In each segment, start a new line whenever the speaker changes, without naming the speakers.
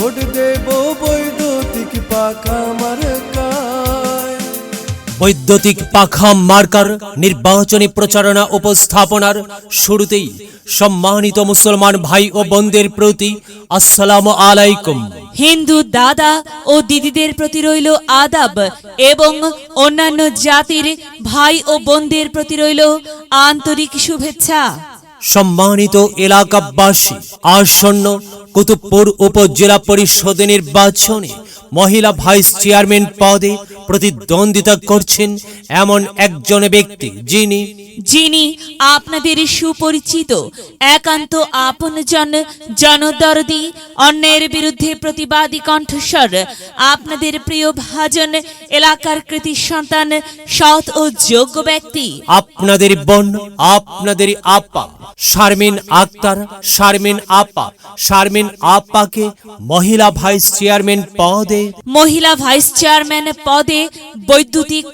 Vote দেব বৈদ্যুতিক পাখা মার্কায়।
বৈদ্যুতিক পাখা মার্কার নির্বাচনী প্রচারণা উপস্থাপনার শুরুতেই সম্মানিত মুসলমান ভাই ও বোনদের প্রতি আসসালামু আলাইকুম।
হিন্দু দাদা ও দিদিদের প্রতি রইল আদাব এবং অন্যান্য জাতির ভাই ও বোনদের প্রতি রইল আন্তরিক শুভেচ্ছা।
সম্মানিত এলাকাবাসী, আসন্ন কুতুবপুর উপজেলা পরিষদ নির্বাচনে মহিলা ভাইস চেয়ারম্যান পদে প্রতিদ্বন্দ্বিতা করছেন এমন একজন ব্যক্তি যিনি
আপনাদের সুপরিচিত, একান্ত আপনজন, জনদরদি, অন্যায়ের বিরুদ্ধে প্রতিবাদী কণ্ঠস্বর, আপনাদের প্রিয় ভাজন, এলাকার কৃতি সন্তান, সৎ ও যোগ্য ব্যক্তি,
আপনাদের বোন, আপনাদের আপা শারমিন আক্তার। শারমিন আপাকে মহিলা ভাইস চেয়ারম্যান পদে বৈদ্যুতিক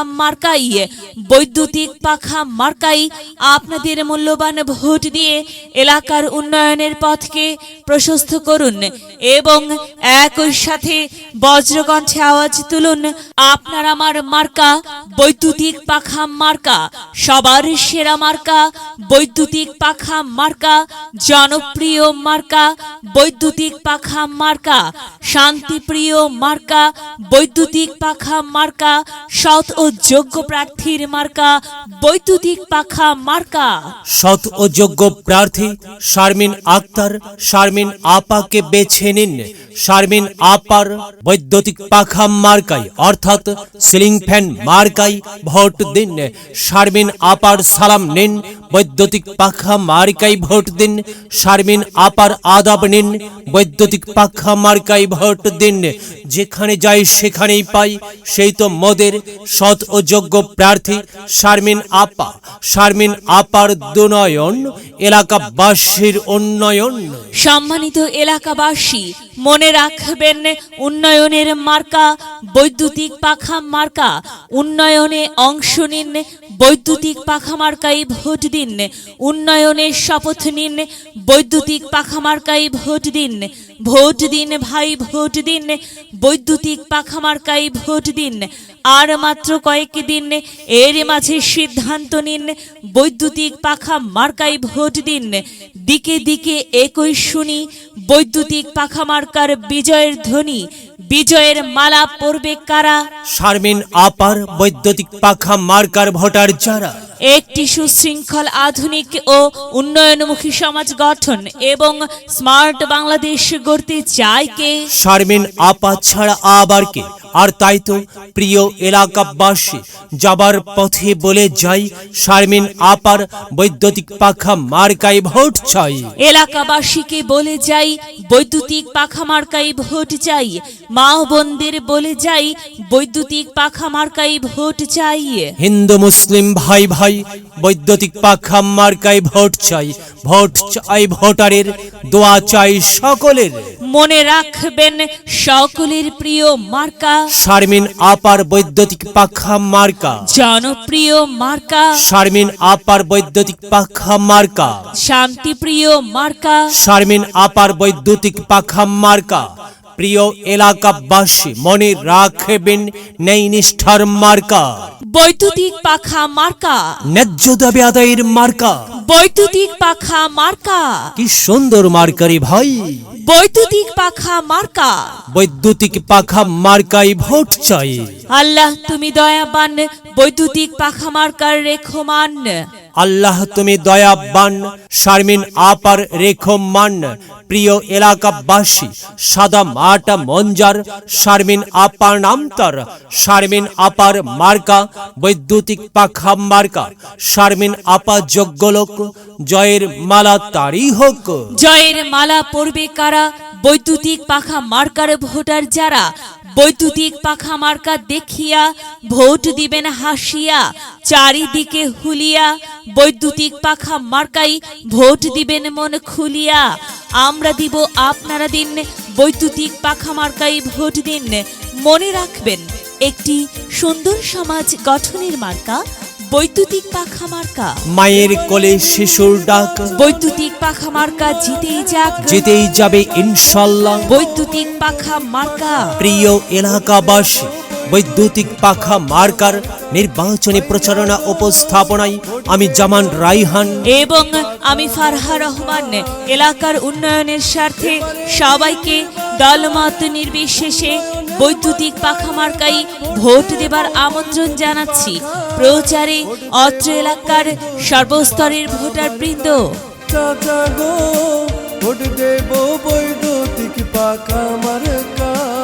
পাখা মার্কাই আপনাদের মূল্যবান ভোট দিয়ে এলাকার উন্নয়নের পথকে প্রশস্ত করুন এবং একই সাথে বজ্রকণ্ঠে আওয়াজ তুলুন, আপনার আমার মার্কা বৈদ্যুতিক পাখা মার্কা, সবার সেরা মার্কা বৈদ্যুতিক পাখা মার্কা, জনপ্রিয় মার্কা বৈদ্যুতিক পাখা মার্কা, শান্তিপ্রিয় মার্কা বৈদ্যুতিক পাখা মার্কা, সৎ ও যোগ্য প্রার্থীর মার্কা বৈদ্যুতিক পাখা মার্কা। সৎ ও যোগ্য প্রার্থী শারমিন আক্তার, শারমিন আপাকে বেছে নিন। শারমিন আপার বৈদ্যুতিক পাখা মার্কাই অর্থাৎ সিলিং ফ্যান মার্কাই ভোট দিন। শারমিন আপার সালাম নিন, বৈদ্যুতিক পাখা মার্কাই ভোট দিন। শারমিন আপার আদাব নিন, বৈদ্যুতিক পাখা মার্কাই ভোট দিন। যেখানে যাই সেখানেই পাই, সেই তো মোদের সৎ ও যোগ্য প্রার্থী শারমিন আপা। শারমিন আপার দুনয়ন, এলাকাবাসীর উন্নয়ন।
সম্মানিত এলাকাবাসী, মনে রাখবেন, উন্নয়নের মার্কা বৈদ্যুতিক পাখা মার্কা। উন্নয়নে অংশ নিন, বৈদ্যুতিক পাখা মার্কাই ভোট দিন। উন্নয়নের শপথ নিন, বৈদ্যুতিক পাখা মার্কাই ভোট দিন। ভোট দিন ভাই, ভোট দিন, বৈদ্যুতিক পাখা মার্কাই ভোট দিন। আর মাত্র কয়েকদিন, এর মাঝে সিদ্ধান্ত নিন, বৈদ্যুতিক পাখা মার্কাই ভোট দিন। দিকে দিকে একই শুনি, বৈদ্যুতিক পাখা মার্কার বিজয়ের ধ্বনি। বিজয়ের মালা পরবে কারা?
শারমিন আপার বৈদ্যুতিক পাখা মার্কার ভোটার যারা
একটি সুশৃঙ্খল, আধুনিক ও উন্নয়নমুখী সমাজ গঠন এবং স্মার্ট বাংলাদেশ গড়তে চায় কে?
শারমিন আপা ছাড়া আবার কে? আর তাই তো প্রিয় এলাকাবাসী, যাবার পথে বলে যাই, শারমিন আপার বৈদ্যুতিক পাখা মার্কাই ভোট চাই।
এলাকাবাসীকে বলে যাই, বৈদ্যুতিক পাখা মার্কাই ভোট চাই। মা বোনদের বলে যাই, বৈদ্যুতিক পাখা মার্কাই ভোট চাই।
হিন্দু মুসলিম ভাই ভাই, বৈদ্যুতিক পাখা মার্কাই ভোট চাই। ভোট চাই ভোটারের, দোয়া চাই সকলের।
মনে রাখবেন, সকলের প্রিয় মার্কা
শারমিন আপার বৈদ্যুতিক পাখা মার্কা,
জনপ্রিয় মার্কা
শারমিন আপার বৈদ্যুতিক পাখা মার্কা,
শান্তিপ্রিয় মার্কা
শারমিন আপার বৈদ্যুতিক পাখা মার্কা। প্রিয় এলাকাবাসী, মনে রাখবেন, নেই নিষ্ঠার মার্কা
বৈদ্যুতিক পাখা মার্কা,
ন্যায্য দাবি আদায়ের মার্কা।
বৈদ্যুতিক পাখা মার্কা,
কি সুন্দর মার্কারি ভাই,
বৈদ্যুতিক পাখা মার্কা।
বৈদ্যুতিক পাখা মার্কাই ভোট চাই।
আল্লাহ তুমি দয়াবান, বৈদ্যুতিক পাখা মার্কার রেখমান।
আল্লাহ তুমি দয়াবান, শারমিন আপার রেখমান। প্রিয় এলাকাবাসী, সাদা মাটা মঞ্জার শারমিন আপার নাম তার। শারমিন আপার মার্কা বৈদ্যুতিক পাখা মার্কা। শারমিন আপা যোগ্য লোক, জয়ের মালা তারই হোক।
জয়ের মালা পরবে কারা? বৈদ্যুতিক পাখা মার্কার ভোটার যারা বৈদ্যুতিক পাখা মার্কা দেখিয়া ভোট দিবেন হাসিয়া, চারিদিকে হুলিয়া বৈদ্যুতিক পাখা মার্কাই ভোট দিবেন মন খুলিয়া। আমরা দিব, আপনারা দিন, বৈদ্যুতিক পাখা মার্কাই ভোট দিন। মনে রাখবেন, একটি সুন্দর সমাজ গঠনের মার্কা বৈদ্যুতিক পাখা মার্কা।
মায়ের কোলে শিশুর ডাক,
বৈদ্যুতিক পাখা মার্কা জিতেই যাক,
জিতেই যাবে ইনশাল্লাহ।
বৈদ্যুতিক পাখা মার্কা।
প্রিয় এলাকাবাসী, বৈদ্যুতিক পাখা মার্কার নির্বাচনী প্রচারণা উপস্থাপনায় আমি জামান রাইহান
এবং আমি ফারহা রহমান এলাকার উন্নয়নের স্বার্থে সবাইকে দলমত নির্বিশেষে বৈদ্যুতিক পাখা মার্কাই ভোট দেবার আমন্ত্রণ জানাচ্ছি। প্রচারে অত্র এলাকার সর্বস্তরের ভোটারবৃন্দ।
চাচা গো ভোট দেব বৈদ্যুতিক পাখা মার্কায়।